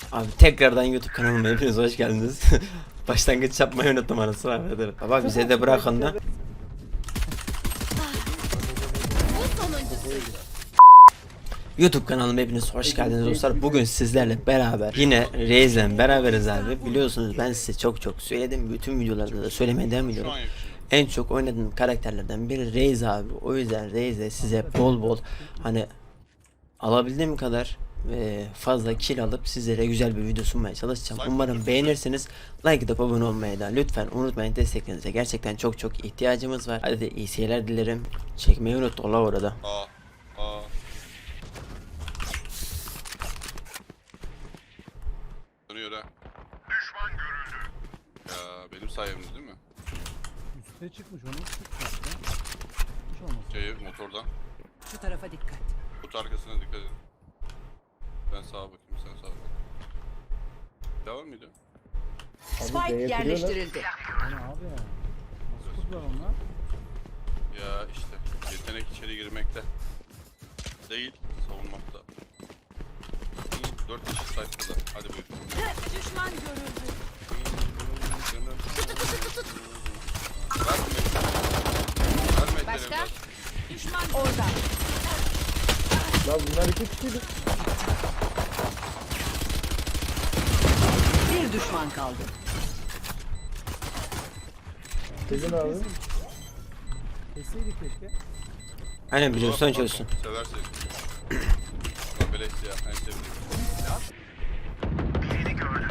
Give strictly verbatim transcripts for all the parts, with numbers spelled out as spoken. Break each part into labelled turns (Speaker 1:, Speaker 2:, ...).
Speaker 1: Abi tekrardan YouTube kanalıma hepiniz hoş geldiniz. Başlangıç yapmayı unuttum anasını avradım. Baba bize de bırakın da. YouTube kanalıma hepiniz hoş geldiniz dostlar. Bugün sizlerle beraber yine Reis'le beraberiz abi. Biliyorsunuz ben size çok çok söyledim. Bütün videolarda da söylemeye devam ediyorum. En çok oynadığım karakterlerden biri Reis abi. O yüzden Reis'e size bol bol hani alabildiğim kadar e, fazla kill alıp sizlere güzel bir video sunmaya çalışacağım. Umarım beğenirsiniz. Like atıp abone olmayı da lütfen unutmayın. Desteklerinize gerçekten çok çok ihtiyacımız var. Hadi iyi seyirler dilerim. Çekmeyi unut ola orada.
Speaker 2: Aa, aa. Dönüyor ha.
Speaker 3: Düşman görüldü.
Speaker 2: Ya benim sayemde değil mi?
Speaker 4: Üste çıkmış, onu çıkmış ya. Hiç olmaz.
Speaker 2: Şey motordan.
Speaker 5: Şu tarafa dikkat.
Speaker 2: Kut arkasına dikkat edin. Ben sağa bakayım, sen sağa bak. Devam mıydı?
Speaker 5: Spike yerleştirildi.
Speaker 4: Yani abi ya. Nasıl kurdular onlar?
Speaker 2: Ya işte yetenek içeri girmekte. Değil, savunmakta. Dört kişi sayfada. Hadi buyurun.
Speaker 5: Düşman görüldü.
Speaker 2: Verme
Speaker 5: Başka?
Speaker 2: ellerini.
Speaker 5: Düşman orada.
Speaker 6: Lan bunlar iki kişiydi.
Speaker 5: Bir düşman kaldı.
Speaker 6: Dedin abi.
Speaker 4: Keseydik keşke.
Speaker 1: Aynen biliyorsan çözsün.
Speaker 2: Seversin. Ulan beleş ya, en sevdiğim.
Speaker 3: Birini gördüm.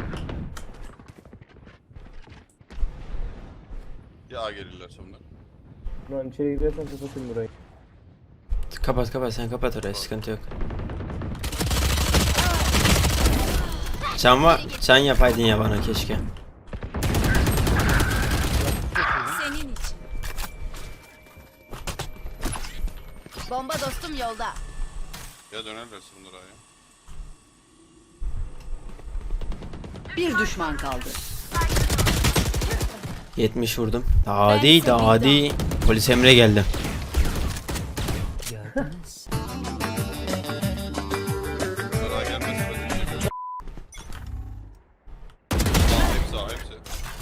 Speaker 2: Ya A gelirler sonra.
Speaker 6: Lan içeri gidersen kapatın burayı.
Speaker 1: Kapat kapat sen kapat orayı, sıkıntı yok. Can var, can yapaydın ya bana keşke.
Speaker 7: Senin için. Bomba dostum yolda.
Speaker 2: Ya dönerlerse bunlar A'ya.
Speaker 5: Bir düşman kaldı.
Speaker 1: yetmiş vurdum. Hadi daha hadi. Polis Emre geldi.
Speaker 2: Bunlar A gelmez. Hepsi A, hepsi.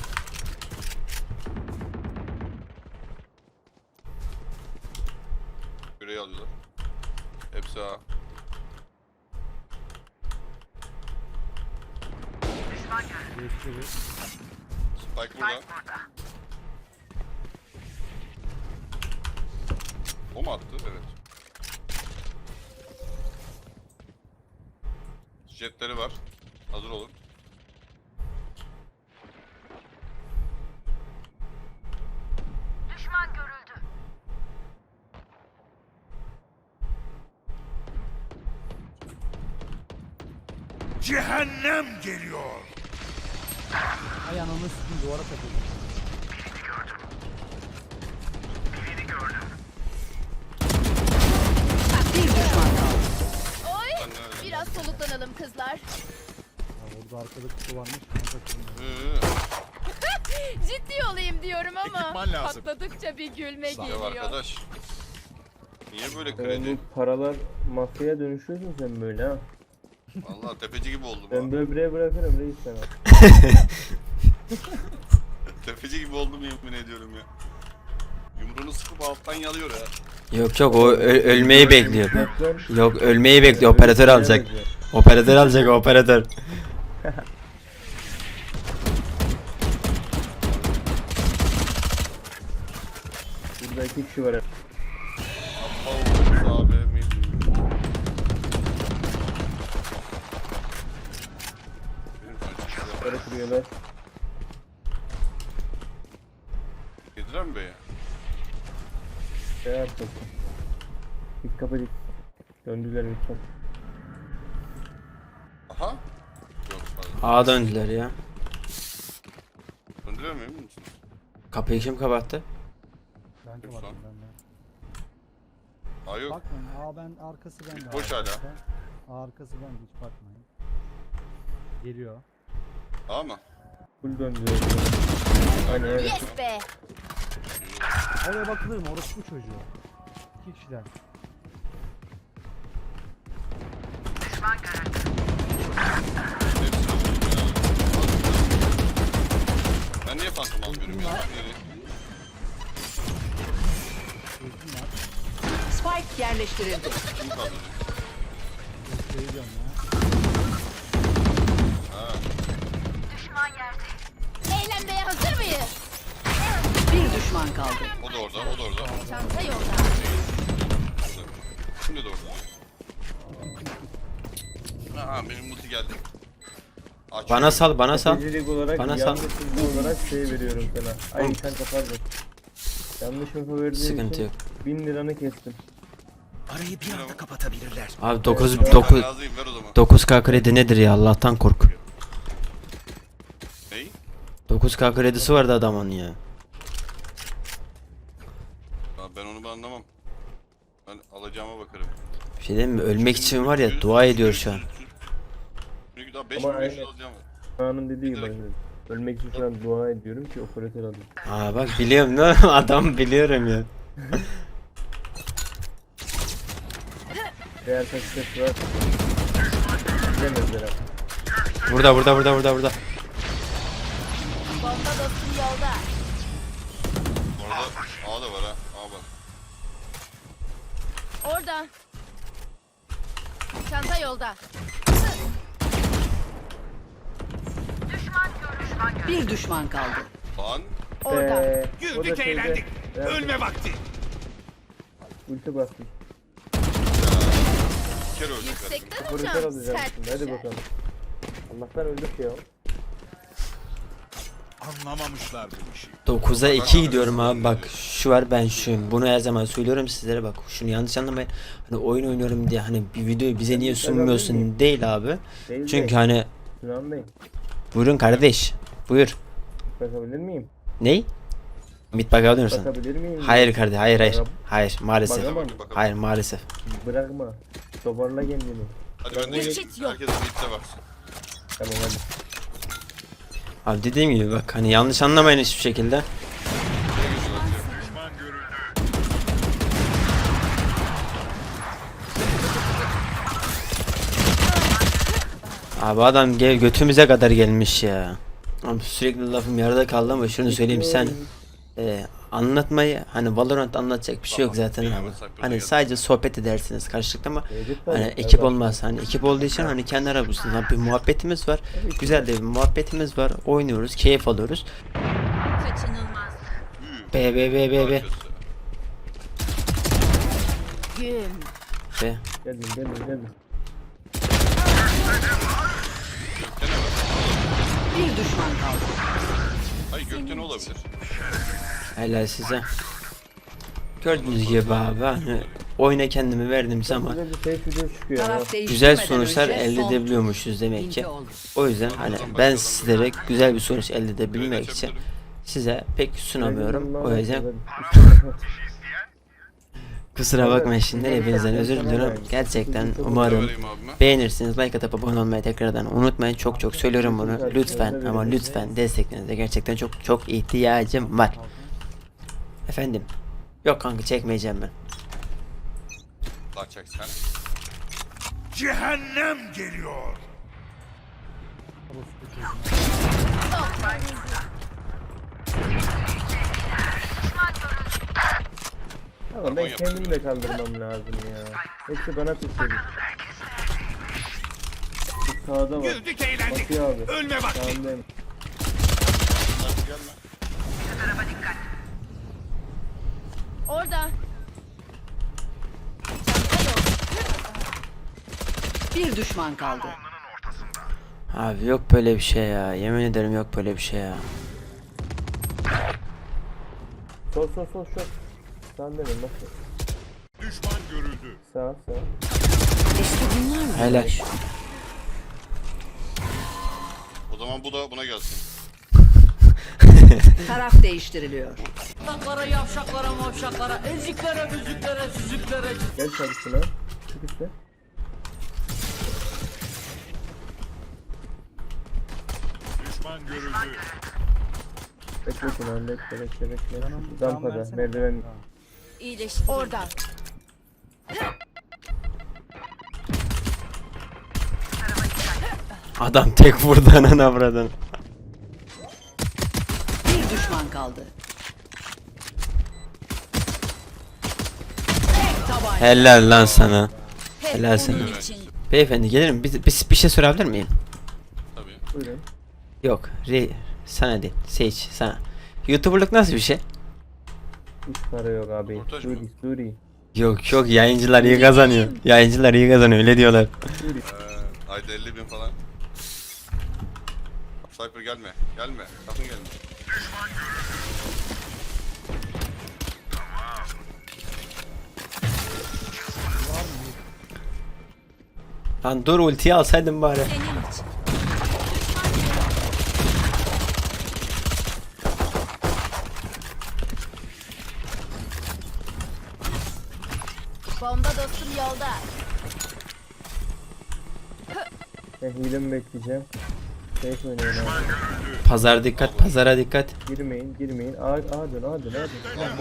Speaker 2: Küreyi alıyorlar. Hepsi A.
Speaker 4: Değiştiriyor.
Speaker 2: Spike burada. O mu attı? Evet. Jetleri var. Hazır olun.
Speaker 7: Düşman görüldü.
Speaker 3: Cehennem geliyor.
Speaker 4: Ay ananı sikim duvara takıldı.
Speaker 3: Birini gördüm.
Speaker 5: Bir düşman kaldı.
Speaker 7: Oy.
Speaker 2: Ben de öyle.
Speaker 7: Biraz soluklanalım kızlar.
Speaker 4: Ya orada arkada kutu varmış. Ona takıldı.
Speaker 2: Hı.
Speaker 7: Ciddi olayım diyorum ama
Speaker 3: Ekipman lazım.
Speaker 7: patladıkça bir gülme
Speaker 2: Ya
Speaker 7: geliyor.
Speaker 2: arkadaş. Niye böyle
Speaker 6: Yani
Speaker 2: kredi?
Speaker 6: bu paralar mafyaya dönüşüyorsun sen böyle ha.
Speaker 2: Vallahi tepeci gibi oldum
Speaker 6: Ben
Speaker 2: ha.
Speaker 6: böbreğe bırakırım reis sana.
Speaker 2: Tepeci gibi oldum yemin ediyorum ya. Yumruğunu sıkıp alttan yalıyor ya.
Speaker 1: Yok yok o ö- ölmeyi bekliyor.
Speaker 6: Bıraklar.
Speaker 1: Yok ölmeyi bekliyor, operatör alacak. Operatör alacak operatör.
Speaker 6: Burada iki kişi var.
Speaker 2: Allah'ım abi mi? Benim kaçışlar.
Speaker 6: Para kırıyorlar.
Speaker 2: Yediler mi beye?
Speaker 6: Şey yaptım. Dik kapı dik. Döndüler lütfen.
Speaker 2: Aha. Yok pardon.
Speaker 1: Ağa döndüler ya.
Speaker 2: Döndüler mi emin misin?
Speaker 1: Kapıyı kim kapattı?
Speaker 4: Ben
Speaker 2: Yok
Speaker 4: kapattım
Speaker 2: lan.
Speaker 4: ben de.
Speaker 2: Aa yok.
Speaker 4: Bakmayın. Aa ben arkası bende.
Speaker 2: Boş hala.
Speaker 4: arkadaşlar. Aa arkası bende, hiç bakmayın. Geliyor.
Speaker 2: A mı?
Speaker 6: Full döndüler. Aynen öyle.
Speaker 7: Yes be.
Speaker 4: Oraya bakılır mı? Orası bu çocuğu. İki kişiler.
Speaker 3: Düşman görüldü.
Speaker 2: Hepsi
Speaker 5: yerleştirildi.
Speaker 2: Kim kaldırdı?
Speaker 4: Şey diyorum ya.
Speaker 7: Eğlenmeye hazır mıyız?
Speaker 5: Bir düşman kaldı.
Speaker 2: O da orada, o da orada.
Speaker 7: Çanta yolda.
Speaker 2: Şimdi de orada. Aha benim multi geldi. Aç.
Speaker 1: Bana sal, bana sal.
Speaker 6: Stratejilik olarak,
Speaker 1: Bana sal.
Speaker 6: yanlış info olarak şey veriyorum sana. Ay sen kapardın. Yanlış info verdiğin
Speaker 1: Sıkıntı
Speaker 6: için
Speaker 1: yok.
Speaker 6: bin liranı kestim.
Speaker 3: Arayı bir anda kapatabilirler.
Speaker 1: Abi dokuz
Speaker 2: Ben
Speaker 1: dokuz
Speaker 2: razıyım, ver o zaman.
Speaker 1: dokuz K kredi nedir ya, Allah'tan kork.
Speaker 2: Ney?
Speaker 1: dokuz K kredisi vardı adamın ya.
Speaker 2: Ya ben onu ben anlamam. Ben alacağıma bakarım.
Speaker 1: Bir şey diyeyim mi? Ölmek için var ya, dua ediyor şu an.
Speaker 2: Çünkü daha beş
Speaker 6: Ama
Speaker 2: bin beş yüz
Speaker 6: aynen.
Speaker 2: alacağım var.
Speaker 6: Kaan'ın dediği gibi. hani, Ölmek için şu an dua ediyorum ki operatör alayım.
Speaker 1: Aa bak biliyorum ne adam biliyorum ya.
Speaker 6: Eğer kaç ses var. Gidemezler abi.
Speaker 1: Burada burada burada burada burada.
Speaker 7: Bomba dostum yolda.
Speaker 2: Orada A da var ha. A bak.
Speaker 7: Orada. Çanta yolda.
Speaker 5: Bir düşman kaldı.
Speaker 2: Lan.
Speaker 7: Orada.
Speaker 6: Ee, o da
Speaker 3: Güldük
Speaker 6: şeyde-
Speaker 3: eğlendik.
Speaker 6: Evet,
Speaker 3: Ölme vakti.
Speaker 6: Ulti bastım.
Speaker 2: Bir kere öldük.
Speaker 7: Yüksekten
Speaker 6: Operatör
Speaker 7: uçan
Speaker 6: alacağım
Speaker 7: sert
Speaker 6: şimdi. Hadi
Speaker 7: düşer.
Speaker 6: bakalım. Allah'tan öldük ya.
Speaker 3: Anlamamışlar bu işi.
Speaker 1: dokuza iki gidiyorum abi, bak şu var, ben şuyum, bunu her zaman söylüyorum sizlere, bak şunu yanlış anlamayın, hani oyun oynuyorum diye hani bir videoyu bize niye sunmuyorsun değil abi,
Speaker 6: Değil
Speaker 1: çünkü
Speaker 6: de,
Speaker 1: hani
Speaker 6: Sinan Bey,
Speaker 1: buyurun kardeş, buyur,
Speaker 6: bakabilir miyim?
Speaker 1: ney? Mid bakabilir misin?
Speaker 6: Bakabilir miyim?
Speaker 1: Hayır kardeş, hayır hayır,
Speaker 6: Bak-
Speaker 1: hayır maalesef,
Speaker 6: Bakamam.
Speaker 2: Bakalım.
Speaker 1: hayır maalesef.
Speaker 6: Bırakma. Toparla kendini.
Speaker 2: Hadi ben de
Speaker 7: Geçit yok.
Speaker 2: herkes mid'de baksın.
Speaker 6: Tamam hadi.
Speaker 1: Abi dediğim gibi bak, hani yanlış anlamayın hiçbir şekilde.
Speaker 3: Düşman görüldü.
Speaker 1: Abi adam gel götümüze kadar gelmiş ya. Abi sürekli lafım yarıda kaldı ama şunu söyleyeyim, sen e, anlatmayı, hani Valorant anlatacak bir şey yok zaten abi. Hani sadece sohbet edersiniz karşılıklı ama
Speaker 6: Mevcut
Speaker 1: hani
Speaker 6: var.
Speaker 1: ekip
Speaker 6: Evet.
Speaker 1: olmaz. Hani ekip olduğu için hani kendi aramızda bir muhabbetimiz var. Güzel de bir muhabbetimiz var. Oynuyoruz, keyif alıyoruz.
Speaker 7: Kaçınılmaz.
Speaker 1: B B B B B.
Speaker 7: Gün.
Speaker 1: B.
Speaker 6: Geldim geldim geldim.
Speaker 2: Gökte ne var?
Speaker 5: Bir düşman kaldı.
Speaker 2: Hayır gökte ne olabilir?
Speaker 1: Helal size. Gördüğünüz gibi abi hani oyuna kendimi verdiğim zaman
Speaker 6: Güzel bir şey video çıkıyor ya.
Speaker 5: Taraf
Speaker 1: güzel
Speaker 5: değiştirmeden
Speaker 1: sonuçlar
Speaker 5: önce
Speaker 1: elde
Speaker 5: son
Speaker 1: edebiliyormuşuz demek ki.
Speaker 5: ince oldu.
Speaker 1: O yüzden hani ben sizlere güzel bir sonuç elde edebilmek için size pek sunamıyorum. O yüzden kusura bakmayın şimdi, hepinizden özür diliyorum. Gerçekten umarım
Speaker 2: Vereyim abime.
Speaker 1: beğenirsiniz. Like atıp abone olmayı tekrardan unutmayın. Çok çok söylüyorum bunu. Lütfen ama lütfen desteklerinize gerçekten çok çok ihtiyacım var. Efendim. Yok kanka, çekmeyeceğim ben.
Speaker 2: Daha çek sen.
Speaker 3: Cehennem geliyor.
Speaker 6: Ama ben kendimi de kaldırmam lazım ya. Hepsi bana tutuldu. Bir sağda var.
Speaker 3: Güldük eğlendik.
Speaker 6: Bakıyor abi.
Speaker 3: Ölme vakti.
Speaker 6: Sağındayım.
Speaker 2: Hadi gelme.
Speaker 7: Orada. Çanta yolda.
Speaker 5: Bir düşman kaldı.
Speaker 1: Abi yok böyle bir şey ya. Yemin ederim yok böyle bir şey ya.
Speaker 6: Sol sol sol sol. Sağındayım bak.
Speaker 3: Düşman görüldü.
Speaker 6: Sağ sağ.
Speaker 5: İşte bunlar mı?
Speaker 1: Helal.
Speaker 2: O zaman bu da buna gelsin.
Speaker 5: Taraf değiştiriliyor.
Speaker 6: Gel çalışsın ha. Çık işte.
Speaker 3: Düşman görüldü.
Speaker 6: Bekle şunu bekle bekle bekle.
Speaker 4: Canım, can
Speaker 6: Rampada
Speaker 4: versene.
Speaker 6: merdiven.
Speaker 7: İyileşti. Orada.
Speaker 1: Adam tek vurdu ananı avradını.
Speaker 5: Bir düşman kaldı. Tek
Speaker 1: Helal lan sana.
Speaker 7: Hep
Speaker 1: Helal sana.
Speaker 7: bunun için.
Speaker 1: Beyefendi gelir mi? Bir, bir, bir şey sorabilir miyim?
Speaker 2: Tabii.
Speaker 6: Buyurun.
Speaker 1: Yok. Re, sana değil. Sage sana. YouTuber'lık nasıl bir şey?
Speaker 6: Hiç para yok abi.
Speaker 2: Röportaj mı?
Speaker 6: Suri Suri.
Speaker 1: Yok yok, yayıncılar iyi kazanıyor. Yayıncılar iyi kazanıyor, öyle diyorlar.
Speaker 6: Suri.
Speaker 2: Ee, ayda elli bin falan. Sniper gelme. Gelme. Sakın gelme.
Speaker 1: Lan dur, ultiyi alsaydın bari.
Speaker 7: Senin için. Bomba dostum yolda.
Speaker 6: Ben hilemi bekleyeceğim. Safe oynayın abi.
Speaker 1: Pazar dikkat, pazara dikkat.
Speaker 6: Girmeyin, girmeyin. A, A dön, A dön, A dön.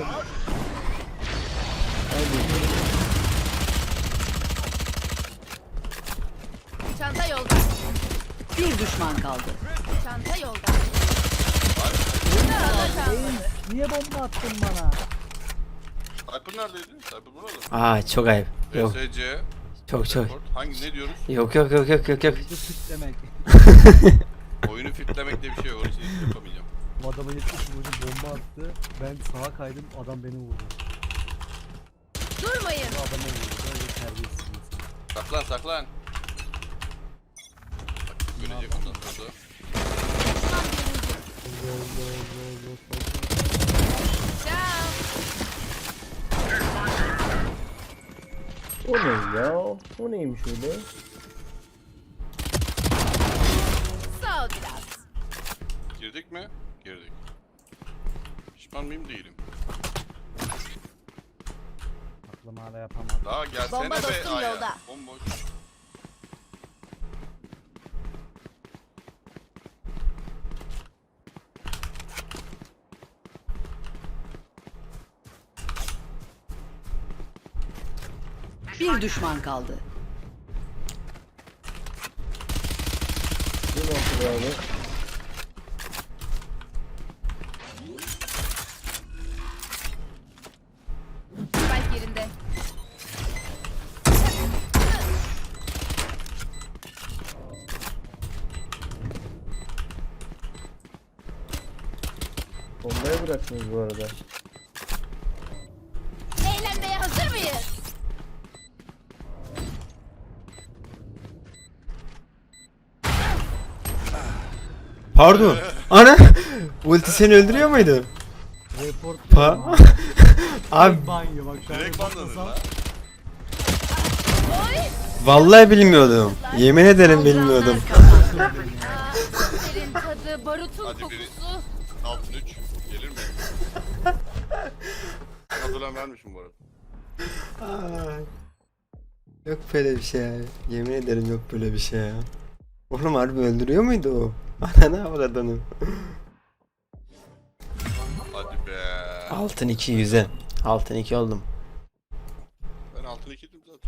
Speaker 7: Çanta yolda.
Speaker 5: Bir düşman kaldı.
Speaker 7: Çanta yolda.
Speaker 4: Niye bomba attın bana?
Speaker 2: Sniper neredeydi? Sniper burada mı?
Speaker 1: Aa çok ayıp. Yok,
Speaker 2: S C.
Speaker 1: çok çok.
Speaker 2: Hangi ne diyoruz?
Speaker 1: Yok yok yok yok yok yok.
Speaker 4: Bu fit demek.
Speaker 2: Oyunu fitlemek diye bir şey yok. Onu hiç yapamayacağım.
Speaker 4: Bu adama yetmiş vurdu, bomba attı. Ben sağa kaydım, adam beni vurdu.
Speaker 7: Durmayın.
Speaker 4: Bu adama vurdu. Böyle terbiyesiz bir insan.
Speaker 2: Saklan saklan. Bak görecek ondan sonra.
Speaker 7: Ciao.
Speaker 6: O ne ya? O neymiş öyle?
Speaker 7: Sağ ol biraz.
Speaker 2: Girdik mi? Girdik. Pişman mıyım? Değilim.
Speaker 4: Aklım hala yapamadım.
Speaker 2: Daha gelsene
Speaker 7: Bomba
Speaker 2: be
Speaker 7: dostum
Speaker 2: Aya.
Speaker 7: yolda.
Speaker 2: Bomboş.
Speaker 5: Bir düşman kaldı.
Speaker 6: Bir noktada abi.
Speaker 7: Spike yerinde.
Speaker 6: Bombaya bıraktınız bu arada.
Speaker 7: Eğlenmeye hazır mıyız?
Speaker 1: Pardon. Ana. Ulti seni öldürüyor muydu?
Speaker 4: Report
Speaker 1: Pa. Abi
Speaker 4: banyo bak şu an.
Speaker 2: Direkt banladın la.
Speaker 7: Oy.
Speaker 1: vallahi bilmiyordum. Yemin ederim bilmiyordum.
Speaker 7: Aa, serin tadı, barutun
Speaker 2: Hadi biri-
Speaker 7: kokusu.
Speaker 2: Altın üç. Gelir mi? Hazırlan vermişim bu arada.
Speaker 1: Yok böyle bir şey ya. Yemin ederim yok böyle bir şey ya. Oğlum harbi öldürüyor muydu o? Ananı avradını.
Speaker 2: Hadi be.
Speaker 1: Altın iki yüze. Altın iki oldum.
Speaker 2: Ben altın ikiydim zaten.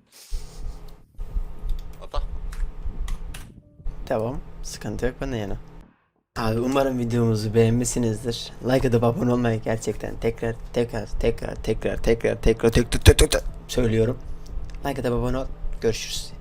Speaker 2: Atak.
Speaker 1: Tamam. Sıkıntı yok bana yana. Abi umarım videomuzu beğenmişsinizdir. Like atıp abone olmayı gerçekten tekrar tekrar tekrar tekrar tekrar tekrar tekrar tekrar söylüyorum. Like atıp abone ol. Görüşürüz.